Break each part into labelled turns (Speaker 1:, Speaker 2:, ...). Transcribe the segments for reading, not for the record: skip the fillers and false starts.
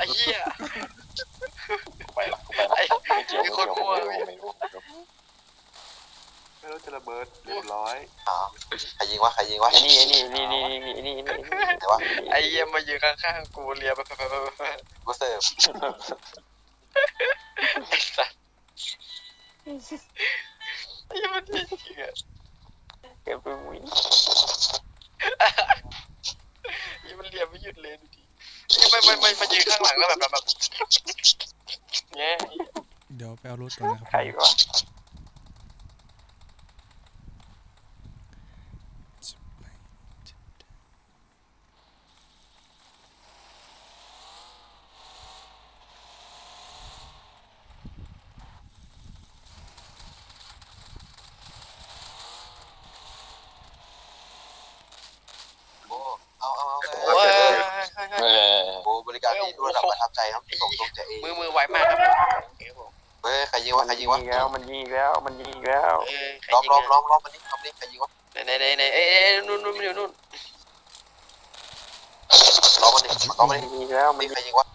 Speaker 1: เหี้ย
Speaker 2: ไปละไม่เกี่ยว
Speaker 1: ไม่รู้
Speaker 3: จะระเบิดเรียบร้อย
Speaker 4: ใครยิงวะ
Speaker 2: นี่
Speaker 4: ไหนวะ
Speaker 1: ไอ้เหี้ยมายืนข้างๆกูเลียไป
Speaker 4: กูเสิร์ฟ
Speaker 1: ไอ้สัสไอ้เหี้ยมันจริงอ่ะ
Speaker 2: เก็บไปวิ่ง
Speaker 1: ไอ้มันเลียไม่หยุดเลยดูดิไม่มายืนข้างหลังแล้วแบบเงี้ย
Speaker 5: เดี๋ยวไปเอารถก่อนนะครับ
Speaker 2: ใครวะ
Speaker 4: เอา
Speaker 1: โอ้ย
Speaker 4: โอ้บริการดีด้วยระดับประทับใจครับส่งตรงจากเอง
Speaker 1: มือไวมากครับ
Speaker 4: เฮ้ยใครยิงวะ
Speaker 2: มันยิงอีกแล้วมันยิงอีกแล้ว
Speaker 4: ล้อมมันนี่ใครยิงวะ
Speaker 1: ไหนนู่นอยู่นู่น
Speaker 4: ล้อมมันนี่
Speaker 2: มันยิงอีกแล้วมัน
Speaker 4: นี่ใครยิงวะ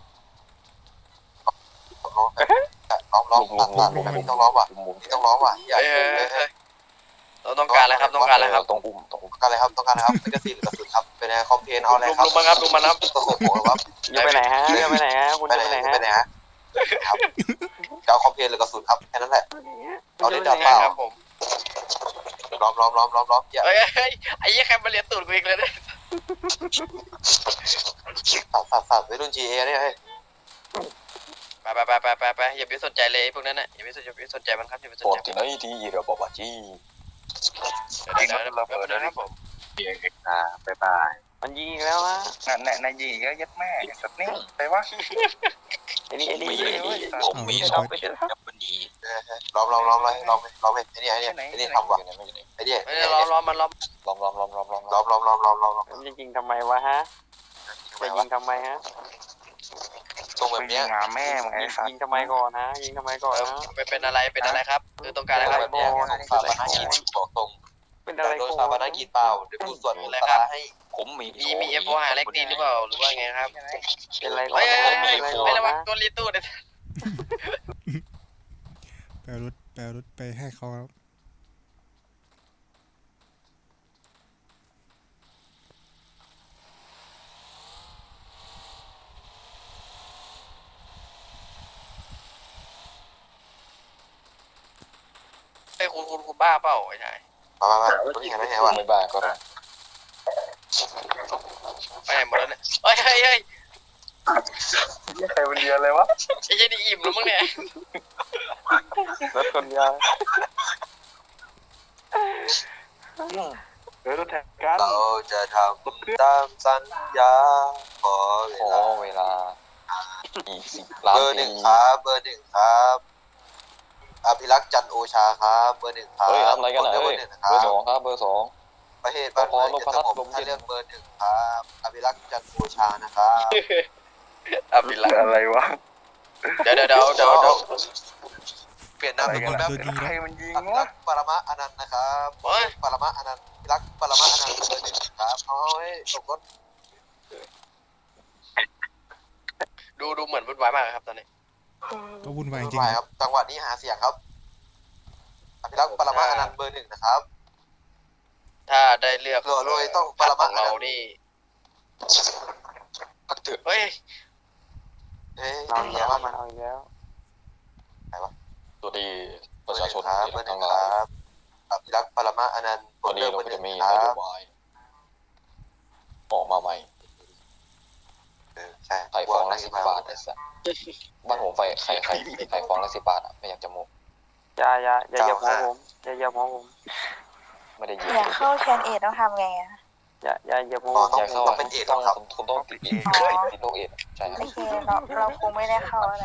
Speaker 4: ล้อมต้องล้อมว่ะต้องล้อมว่ะอย่า
Speaker 1: เราต้องการอะไรครับต้องการอะไรครับ
Speaker 2: ต้องอุ้ม
Speaker 4: ต้องการอะไรครับไม่กระสีหรือกระสุนครับเป็นไงคอมเพนเอาอะไรครับ
Speaker 1: ลุมมาครับ
Speaker 4: ต้องส่งหัวครับ
Speaker 2: จะไปไหนฮะจะไปไหนฮะคุณจะไปไหนฮะ
Speaker 4: ฮะครับจะเอาคอมเพนหรือกระสุนครับแค่นั้นแหละเอาได้ดับเปล่า
Speaker 1: ครับผม
Speaker 4: ล้อมอย่า
Speaker 1: เฮ้ยไอ้ยี่แคมมาเรียนตูดกูอีกเลยเนี่ย
Speaker 4: สับไปรุ่น GA เนี่ยเฮ้ย
Speaker 1: ไปอย่าไปสนใจเลยพวกนั้นน่ะอย่าไปสนใจมันครับอย่าไปสน
Speaker 2: ปวด
Speaker 1: ใจ
Speaker 2: ที่ไหนที่เรือบอกว่าจี้
Speaker 1: เดี๋ยวระเบิดนะครับผม
Speaker 3: บ๊ายบาย
Speaker 2: มันยิงอีกแล้วฮะ
Speaker 3: นายยิงก็ยัดแม่แบบนี้ไปวะ
Speaker 2: ไอ้นี่
Speaker 5: ผมมี
Speaker 2: เอาไปเถอะ
Speaker 4: ล้อมไอ้นี่ทำว่ะไอ้นี่
Speaker 1: ไม่ได้ล้อมมันล้อม
Speaker 4: ล้อม
Speaker 2: จะยิงทำไมวะฮะจะยิงทำไมฮะ
Speaker 4: ตรงแบบนี้
Speaker 3: งาแม่มึงไอ้สัต
Speaker 2: ยิง
Speaker 3: ว์
Speaker 2: ทำไมก่อนฮะยิงทำไมก่อนฮะ
Speaker 1: เป็นอะไรครับต้องการอะไรครับ
Speaker 4: แบบนี้ส่งสาบานกินบอกตรง
Speaker 2: เป็นอะไร
Speaker 4: โดน
Speaker 2: กู
Speaker 4: สาบานกินเปล่าเดี๋ยวกูส่วนอะไรครับให้
Speaker 2: ผมมี
Speaker 1: มีเอฟโอหาเล็กดีหรือเปล่าหรือว่าไงครับ
Speaker 2: เป็นอะไรก่อ
Speaker 1: เฮ้
Speaker 2: น
Speaker 1: ย
Speaker 2: เป็นอะไรก่อ
Speaker 1: ไม่
Speaker 2: น
Speaker 1: ระวัง
Speaker 2: นะ
Speaker 1: ตัวรีตู้เนี่ย
Speaker 5: ไปเอารถไปให้เขาครับ
Speaker 1: ไอ้คุณบ้าเปล่าไอ้ชาย
Speaker 4: มาตัวนี้เห็นไหมวะ
Speaker 2: ไม่บ้าก็ได้
Speaker 1: ไปไหนหมดแล้วเนี่ยเฮ้ย
Speaker 3: ใครเป็นเดียเลยวะ
Speaker 1: ไอ้เจนี่อิ่มแล้วมั้งเนี่ย
Speaker 2: รถคนยาว
Speaker 3: รถแท็กกัน
Speaker 4: เราจะทำตามสัญญาขอ
Speaker 2: ขอเวลาอีก10 ล้าน
Speaker 4: เบอร์
Speaker 2: ปี
Speaker 4: 1 ครับอภิรักษ์จันโอชาครับเบอร์ 1 ครับ
Speaker 2: เฮ้ยทำอะไรกันอ่ะ
Speaker 4: เบ
Speaker 2: เฮ้
Speaker 4: อย ร์ 1
Speaker 2: เบอร์ 2ครับเบอร์ 2
Speaker 4: ประเทศบ้านเมืองจะสงบถ้าเลือกเบอร์ 1 ครับอภิรักษ์จันโอชานะครับ
Speaker 1: อ่ะปิดละ
Speaker 3: อะไรวะ
Speaker 1: เดี๋ยว
Speaker 4: เปลี่ยนนามสกุลแบบ
Speaker 3: ใครมันยิง
Speaker 4: อภิรั
Speaker 3: วะ
Speaker 4: กษ์ปรมาอนันต์นะครับปรมาอนันต์อภิรักษ์ปรมาอนันต์เบอร์ 1 ครับเอาให้ตกรถ
Speaker 1: ดูเหมือนวุ่นวายมากครับตอนนี้
Speaker 5: ก็วุ่นวายจริง
Speaker 4: ไปครับจังหวะนี้หาเสียงครับอภิรักษ์ปรมาอนันต์เบอร์ 1 นะครับ
Speaker 1: ถ้าได้เลือก
Speaker 4: โรยต้องปร
Speaker 1: ข
Speaker 4: มา
Speaker 1: อง
Speaker 4: อนั
Speaker 1: เรา
Speaker 4: นต์
Speaker 1: นี่
Speaker 4: พักเถอะ
Speaker 1: เฮ้ย
Speaker 4: เฮ้ย
Speaker 2: เอาอีก
Speaker 4: เดี๋
Speaker 2: แล้
Speaker 4: ยว ว
Speaker 2: มันเอาอีกแล้วตัวดีประชาชน
Speaker 4: ครับเบอร์ 1 ครับอภิรักษ์ปรมาอนันต์
Speaker 2: ตัวนี้
Speaker 4: เบ
Speaker 2: เรา
Speaker 4: อร์
Speaker 2: ก็จะมี
Speaker 4: 1 คน
Speaker 2: โย
Speaker 4: รับ
Speaker 2: บายออกมาใหม่
Speaker 4: ใช่
Speaker 2: ไข่ฟองละ10 บาทไอ้สัสบ้านผมไข่ฟองละ10 บาทอ่ะไม่อยากจะโมอย่าหัวผมอย่าหัวผมไม่ได้ยิน
Speaker 6: อยากเข้าแคนเอทต้องทำไงอ่ะ
Speaker 2: อย่าหัว
Speaker 4: ต้อง
Speaker 2: อยากเข้า
Speaker 4: ต้องเป็นเอกครับ
Speaker 2: คุณต้องติดโรคเอดใช่ครับ
Speaker 6: โอเคเราคงไม่ได้เข้าอะไร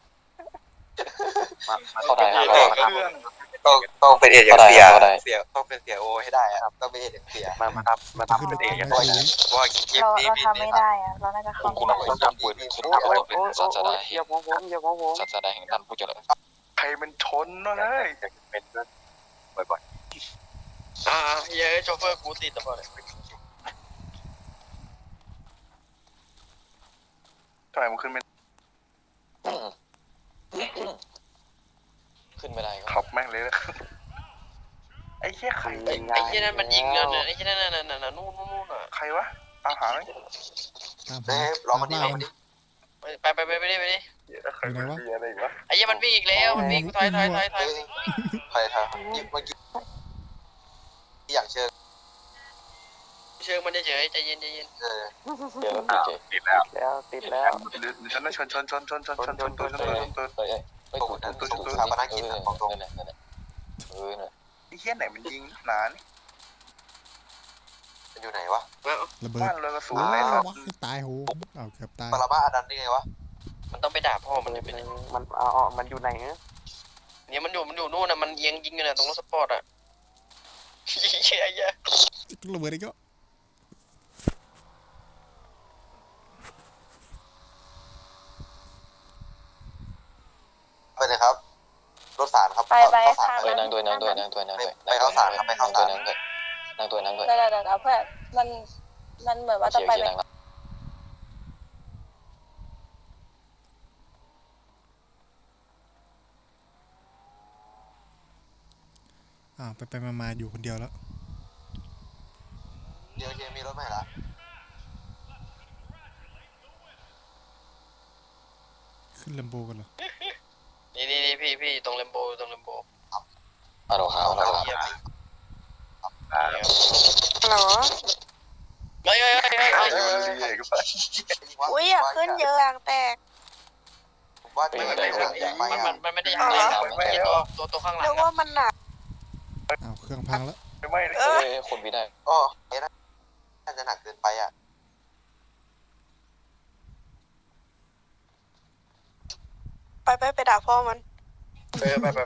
Speaker 2: เข้าได้ครับ
Speaker 4: ต้องเป็นเอกอย่างเสียต้องเป็นเสียโอให้ได้ครับต้องเป็นเอกอย่างเสีย
Speaker 3: มาทำเป็นเองกัน
Speaker 4: ว่าคลิปนี้
Speaker 6: เราทำไม่ได้อ่ะเราน่าจะเข้า
Speaker 2: คุณ
Speaker 6: ไม่
Speaker 2: ต้
Speaker 6: ได้
Speaker 2: องจำปืนคุณต้องเป็นศาสดาอย่าหัวผมศาสดาแห่งท่านผู้เจริญ
Speaker 3: ใครมันชนวะเฮ้ย
Speaker 4: เป็นบ่อย
Speaker 1: เฮ้ยโชเฟอร์กูติดตัวเลย
Speaker 3: ทำไมมันขึ้นไม่เหี้ยใคร
Speaker 1: ไอ้เหี้ยนั่นมันยิงแล้วเนี่ยไอ้เหี้ยนั่นนู่นอ่ะ
Speaker 3: ใครวะตามหาไหม
Speaker 5: ตาม
Speaker 4: เฮ้
Speaker 5: หาย
Speaker 4: รอ
Speaker 5: ตาม
Speaker 4: มันดิ
Speaker 5: ล่าร
Speaker 4: อ
Speaker 5: มั
Speaker 4: มัน นดิ
Speaker 1: ไปดิ
Speaker 3: ใครมันมีอะไรวะ
Speaker 1: ไอ้เหี้ยมันวิ่งอีกแล้วมันวิ่งถอย
Speaker 4: เฮ้ยใครทางยิงเมื่อกี้อย่างเชิญ
Speaker 1: เชิงมันเฉยใจเย็น
Speaker 2: เดี๋ยวโอเค
Speaker 3: ติดแล้ว
Speaker 7: แล้วติดแล้ว
Speaker 3: หรือฉันน่ะชนตัว
Speaker 2: เฮ้ยไม่ถูกนั่นนั่นแหละ
Speaker 3: ไอ้เหี้ยไหนมันยิงหนานี่
Speaker 4: มันอยู่ไหนวะ
Speaker 5: ระเบิด
Speaker 3: บ้านเลยกระสุน
Speaker 5: ว้า
Speaker 3: ไหน
Speaker 5: ว
Speaker 3: ครับ
Speaker 5: ว้ายตายโหเอาเกือบตาย
Speaker 4: ปรมาอนันต์ได้ไงวะ
Speaker 1: มันต้องไปด่าพ่อมันเป็น
Speaker 7: มันมันอยู่ไหนเนี่ย
Speaker 1: เนี่ยมันอยู่นู่นน่ะมันเอียงยิงอยู่น่ะตรงรถสปอร์ตอ่ะเหี้ย
Speaker 5: ระเบิดอีกแล้ว
Speaker 4: ไปเลยครับรถสารครับ
Speaker 6: ไป
Speaker 4: ข้าวสาร
Speaker 6: ค่ะ
Speaker 2: เฮ้ยนั่งด้วย
Speaker 4: นั่งด้วยนั่งด้วย
Speaker 6: เดี๋ยวเพื่อนมันเหมือนว่าจะไป
Speaker 2: นั่ง
Speaker 5: ไปมาอยู่คนเดียวแล้ว
Speaker 4: เดี๋ยวมีรถใหม่ละ
Speaker 5: ขึ้นลำโบกันเหรอ
Speaker 1: นี่พี่ตรงเลมโบ
Speaker 2: ฮัลโหลครับ
Speaker 1: เยี่ยม
Speaker 6: ฮัลโหล
Speaker 1: เฮ้ย
Speaker 6: อุ้ยอยากขึ้นเยอะอ่างแตก
Speaker 4: ผมว่าไม่ได้ไปอ่ะ
Speaker 1: มันไม่ได้ยังไงตัวข้างหลัง
Speaker 6: เรียกว่ามันหนัก
Speaker 5: เครื่องพังแล้ว
Speaker 3: ไม่เลย
Speaker 2: เฮ้ยคนพี่ได้
Speaker 4: อ๋อเอ๊ะน่าจะหนักเกินไปอ่ะ
Speaker 6: ไปด่าพ่อมัน
Speaker 1: ไป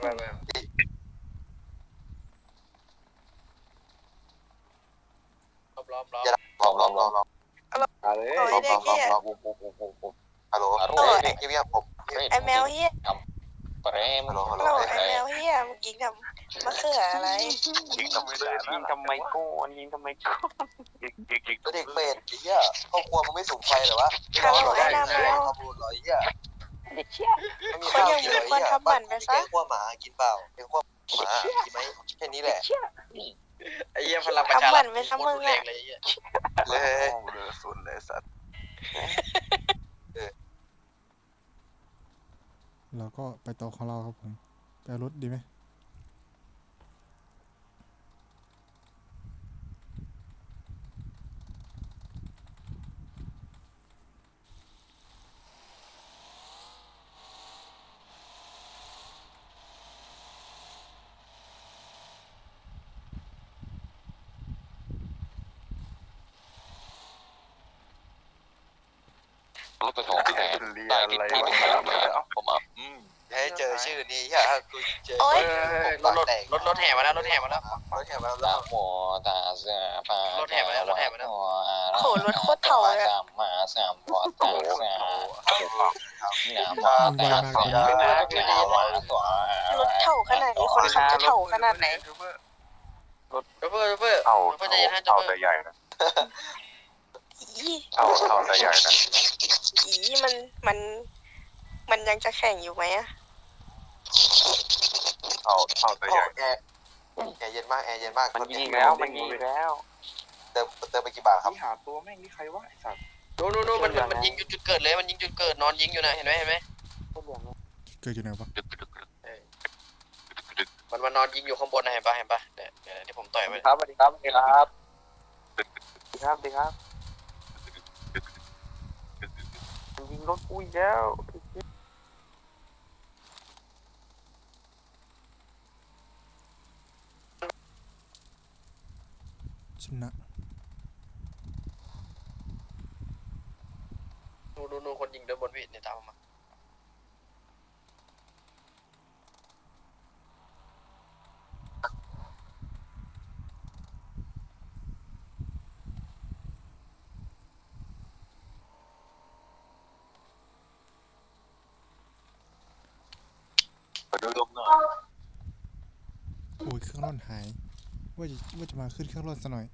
Speaker 1: ล้อม
Speaker 4: อย่าลอง
Speaker 3: อะไร
Speaker 6: โอ้ยเด็กเหี้ย
Speaker 4: ฮัลโหลเงียบผม
Speaker 6: ไอแมวเฮีย
Speaker 2: ปรม
Speaker 4: ฮัลโหล
Speaker 6: ฮัลโหลไอแมวเฮียมึงยิงทำมะเขืออะไร
Speaker 3: ยิงทำไมได้
Speaker 7: ยิงทำไมก้อนยิงทำไมก้อน
Speaker 3: ยิง
Speaker 4: เด็กเป็ดไอ้เหี้ยครอบครัวมึงไม่สูงไฟเหรอวะข้าวบุญเหรอไอ้เหี้ย
Speaker 7: เด็กเชี่ย
Speaker 4: ไม่มีข้าวกินเหรอไอ้เหี้ยบ้านแกงขั้วหมากินเปล่าแกงขั้วหมากินไหมแค่นี้แหละ
Speaker 7: เชี่ย
Speaker 1: ไอ้เหี้ยพลังประชารัฐเลย
Speaker 4: เลย
Speaker 3: เรือสุนเลยสัตว์
Speaker 5: เราก็ไปต่อของเราครับผมไปเอารถดีไหม
Speaker 2: รถกระถางแทนตายติดที่ผมอ่ะ
Speaker 4: ให้เจอชื่อนี้เหี้ยกูเจอ
Speaker 1: รถแห่มาแล้ว
Speaker 4: รถแข่งมาแล้ว
Speaker 2: ตาหัวตาเสือปลามาสามหัวตาเสือ หนาวมากแต่หนาวมากตัว
Speaker 6: รถเถ่าขนาดนี้คนขับจะเถ่าขนาดไหน
Speaker 1: เพื่อ
Speaker 3: เอา
Speaker 1: ใจเย็นจะ
Speaker 3: เอา
Speaker 1: เพื่
Speaker 3: แต่ใหญ่นะ
Speaker 6: อี
Speaker 3: เอาแต่ใหญ่นะ
Speaker 6: อีมันยังจะแข่งอยู่ไหมอะ
Speaker 3: เอาแต่ใหญ่
Speaker 4: แอร์เย็นมากแอร์เย็นมาก
Speaker 7: มันยิงแล้วมันยิงแล้ว
Speaker 4: เติมไปกี่บาทครับ
Speaker 3: ที่หาตัวแม่งนี่ใครวะไอ้สัตว์
Speaker 1: นู่นมันยิงจุดเกิดเลยมันยิงจุดเกิดนอนยิงอยู่นะเห็นไหม
Speaker 5: เกิดอยู่ไหนวะ
Speaker 1: มันนอนยิงอยู่ข้างบนนะเห็นปะเนี่ยที่ผมต่อยไป
Speaker 7: ครับสวัสดีครับสวัสดีครับสวัสดีครับมันยิงรถอุ้ยแล้ว
Speaker 5: ชนะ
Speaker 1: นู่นคนยิงเดินบนวิ่งเนี่ยตามมา
Speaker 2: ดูลมหน่อย
Speaker 5: โอ้ยเครื่องร่อนหายว่าจะมาขึ้นเครื่องร่อนซะหน่อย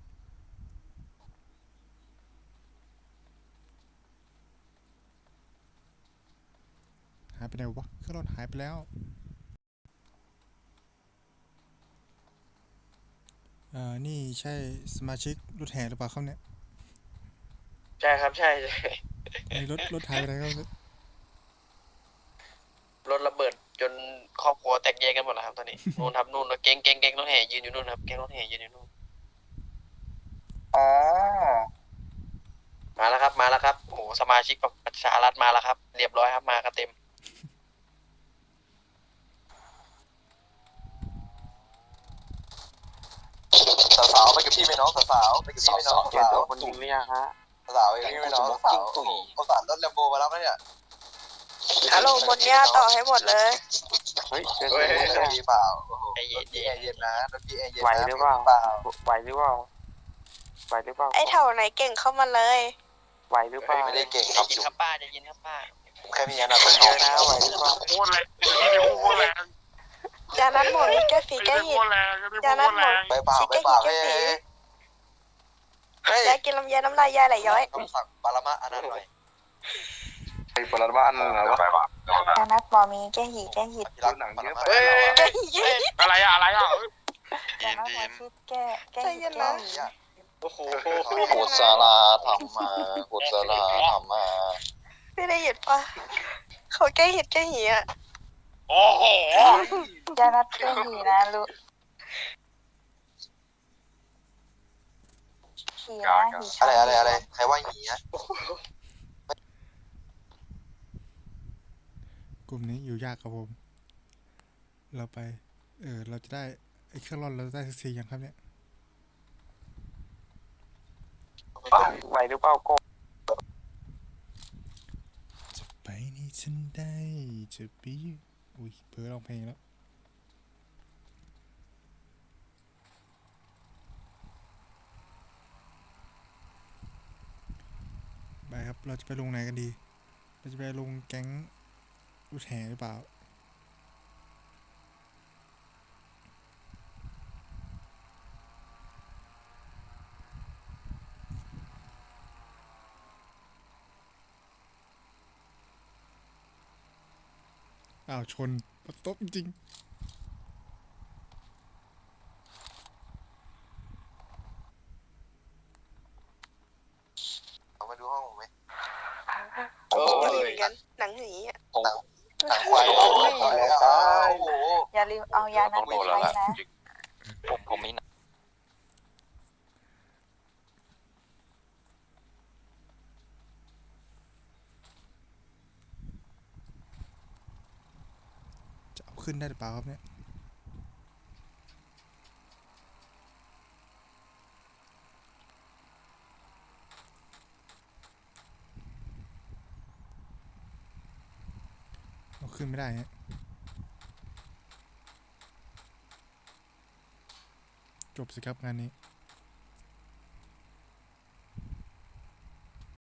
Speaker 5: หายไปไหนวะเครื่องร่อนหายไปแล้วนี่ใช่สมาชิกรถแห่หรือเปล่าครับเนี่ย
Speaker 1: ใช่ครับใช่
Speaker 5: ไอ้รถหายไปไหนครับเนี่ย
Speaker 1: รถระเบิดจนครอบครัวแตกแยกกันหมดแล้วครับตอนนี้ นู่นครับนู่นเก๊งรถแห่ยืนอยู่นู่นครับแก๊งรถแห่ยืนอยู่นู่น
Speaker 3: อ๋อ
Speaker 1: มาแล้วครับมาแล้วครับโอ้โหสมาชิกประชารัฐมาแล้วครับ เรียบร้อยครับมากันเต็ม
Speaker 4: สาวๆไปกับพี่ไหมน้องสาวๆไปกับพี่ไหมน้อง
Speaker 7: เจอ
Speaker 4: สาว
Speaker 7: ตัวคนยิงหรือยังฮะ
Speaker 4: สาวๆไปกับพี่ไหมน้องสาวคนสารรถแลมโบมารับแล้วเนี่ย
Speaker 6: ฮัลโหลบนเนี้ยต่อให้หมดเลย
Speaker 7: เฮ้ยเจอ
Speaker 1: เฮ้
Speaker 7: ตัวย นี้
Speaker 4: พี่เปล่าโอ้โห
Speaker 1: ใจเย็น
Speaker 4: พี่แอร์เย็นนะรถพี่แอร์เย็น
Speaker 7: ไหว
Speaker 4: นะ
Speaker 7: หรือเปล่า
Speaker 4: เปล่า
Speaker 7: ไหวหรือเปล่าไหวหรือเปล่า
Speaker 6: ไอ้แถวไหนเก่งเข้ามาเลย
Speaker 7: ไหวหรือเปล่า
Speaker 4: ไม่ได้เก่ง
Speaker 1: ใจ
Speaker 4: ครับ
Speaker 1: เย็น
Speaker 4: จุ๊
Speaker 1: ครับป้าใจเย็นครับป้า
Speaker 4: แค่มีงาน
Speaker 7: คนเยอะนะไหวหรือเปล่า
Speaker 3: โคตรแรงพี่โคตรแรง
Speaker 6: ยานัดหมดนี่แก้ฝีแก้หิด ยานัดหมด
Speaker 4: ไปเปล่าไปเปล่าเฮ้ย
Speaker 6: ยากินลำไยน้ำลายยายไหลย้อย
Speaker 4: ต้องสั่งปารามะอันนั้นหน่อย
Speaker 3: ไอ้ปรมาณนั้นเหรอวะ
Speaker 6: ยานัดบอมีแก้หีแก้หิด
Speaker 4: ที่รักหนังเยอะไป
Speaker 1: เฮ้ย
Speaker 6: แก้หีแก้หิด
Speaker 3: อะไรอะอะไรอะ
Speaker 6: ยานัดบอคิดแก้หิดแก้หี
Speaker 1: โอ้โห
Speaker 2: กุศลธรรมากุศลธรรมา
Speaker 6: ไม่ได้ยินปะเขาแก้หิดแก้หีอ่ะ
Speaker 3: โอ้โห
Speaker 6: ยานัดแก้หีนะลูกหีนะหี
Speaker 4: อะไรใครว่าหนีนะ
Speaker 5: กลุ่มนี้อยู่ยากครับผม เราไปเราจะได้ไอ้เครื่องร่อนเราจะได้สักทียังครับเนี่ย
Speaker 7: ไหวหรือเปล่าโก
Speaker 5: จะไปนี่ฉันได้จะไปอยู่อุ้ยเพ้อร้องเพลงแล้วไปครับเราจะไปลงไหนกันดี เราจะไปลงแก๊งรถแห่หรือเปล่าอ้าวชนปัดตบจริง
Speaker 4: มาดูห้องผมไหม
Speaker 1: โอ้
Speaker 6: หนัง
Speaker 1: ย
Speaker 6: เหมือนกันหนังหีอ่ะ
Speaker 4: หนังควายโอ้โห
Speaker 6: อย่าลืมเอายานัดไปใช้นะ
Speaker 2: ผมมีนะ
Speaker 5: จะเอาขึ้นได้หรือเปล่าครับเนี่ยเอาขึ้นไม่ได้ฮะจบสิครับงานนี้